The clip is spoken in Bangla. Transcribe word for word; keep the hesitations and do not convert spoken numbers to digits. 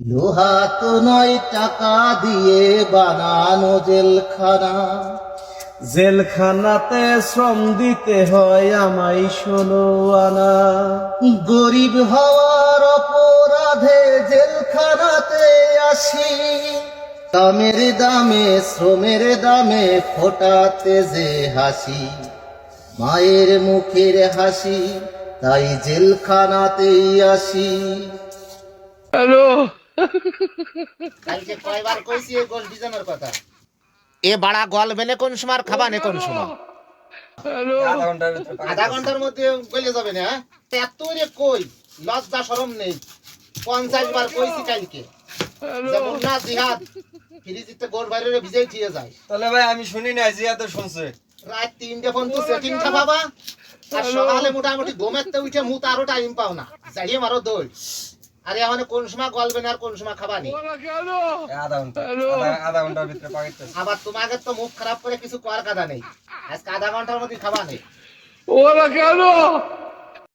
লোহা তো নয় টাকা দিয়ে বানানো জেলখানা, জেলখানাতে শ্রম দিতে হয় আমায় ষোলো আনা। গরিব হওয়ার অপরাধে জেলখানাতে আসি, কামের দামে শ্রমের দামে ফোটাতে যে হাসি, মায়ের মুখের হাসি, তাই জেলখানাতেই আসি। হ্যালো, কালকে কয়বার কইছি এই গোল বিজানোর কথা। এ বাড়া গল বেনে কোন সময় আর খাবানে কোন সময়? হ্যালো, আধা ঘন্টার মধ্যে গলে যাবে না? এত রে কই, লজ্জা শরম নেই। পঞ্চাশ বার কইছি কালকে, যেমন না জিহাদ ফ্রিজিতে গোল বাইরে ভিজেই ঠিয়ে যায়। তাহলে ভাই আমি শুনি না, জিয়া তো শুনছে। রাত তিনটে ফোন তো সেটিং থা বাবা, আর সকালে মোটামুটি ঘুমেতে উঠে মুত আরো টাইম পাও না, যাইয়ে মারো দৌড়। আরে এখন কোন সময় গলবে না আর কোন সময় খাবানি? আধা ঘন্টা আধা- আধা ঘন্টার ভিতরে পাকাইতেছে। আবার তোমাকে তো মুখ খারাপ করে কিছু করার কথা নেই, আজকে আধা ঘন্টার মধ্যে খাবা নেই। ওরা কেন?